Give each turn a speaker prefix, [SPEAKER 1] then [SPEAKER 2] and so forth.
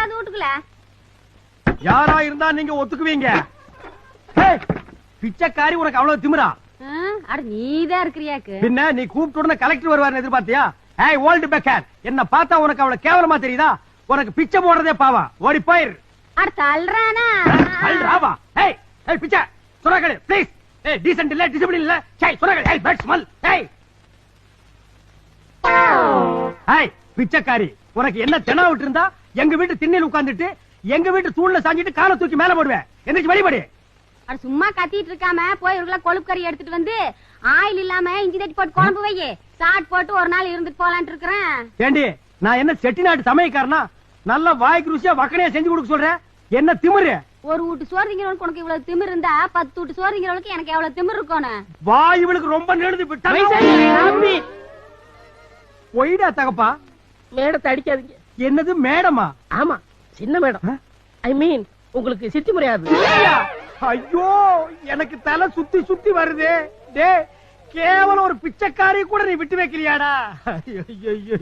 [SPEAKER 1] யாராவது வீட்டுக்குள்ள
[SPEAKER 2] யாரா இருந்தா நீங்க ஒத்துக்குவீங்க? பிச்சைக்காரி உனக்கு அவ்வளவு திமிரா?
[SPEAKER 1] அட நீதான் இருக்கிறியாக்கு.
[SPEAKER 2] பின்ன நீ கூப்பிட்டு உடனே கலெக்டர் வருவாருன்னு எதிர்பார்த்தியா? ஏய் ஓல்டு பெக்கர், என்ன பார்த்தா உனக்கு அவ்வளவு கேவலமா தெரியுதா? உனக்கு பிச்சை போடுறதே பாவா, ஓடி போயிரு.
[SPEAKER 1] அட தள்ளுறானா?
[SPEAKER 2] தள்ளுறாவா? ஏய் ஏய் பிச்சை சுரகடு ப்ளீஸ். ஏய் டீசன்ட் இல்ல, டிசிப்ளின் இல்ல. சை சுரகடு. ஏய் பேட் ஸ்மெல். ஏய் ஏய் பிச்சைக்காரி, உனக்கு என்ன தெனா விட்டு இருந்தா எங்க வீட்டு திண்ணையில உட்கார்ந்துட்டு எங்க வீட்டு தூண்ல சாஞ்சிட்டு காலை தூக்கி மேல போடுவேன். எந்திரிச்சு வெளிப்படி.
[SPEAKER 1] அட சும்மா கத்திட்டு இருக்காம போய் ஒரு கிலோ கொழுப்பு கறி எடுத்துட்டு வந்து ஆயில் இல்லாம இஞ்சி தட்டி போட்டு குழம்பு வையே. சாட் போட்டு ஒரு நாள் இருந்துட்டு போலான்ட்டு இருக்கிறேன்.
[SPEAKER 2] ஏண்டி நான் என்ன செட்டிநாட்டு சமையக்காரனா? நல்ல வாய்க்கு ருசியா வக்கனையா செஞ்சு கொடுக்க சொல்றேன். என்ன திமிரு?
[SPEAKER 1] ஒரு வீட்டு சோறு திங்கிறவனுக்கு உனக்கு இவ்வளவு திமிரு இருந்தா 10 வீட்டு சோறு திங்கிறவனுக்கு எனக்கு எவ்வளவு திமிரு இருக்கணும்?
[SPEAKER 2] வாய் இவளுக்கு ரொம்ப நெடுது விட்டா. ஒய்டா தகப்பா.
[SPEAKER 3] மேடத்தை அடிக்காதீங்க.
[SPEAKER 2] என்னது மேடமா?
[SPEAKER 3] ஆமா சின்ன மேடம். ஐ மீன் உங்களுக்கு சித்தி முறையாது.
[SPEAKER 2] ஐயோ எனக்கு தலை சுத்தி சுத்தி வருதே. டே கேவலம் ஒரு பிச்சைக்காரி கூட நீ விட்டு வைக்கிறியாடா? ஐயோ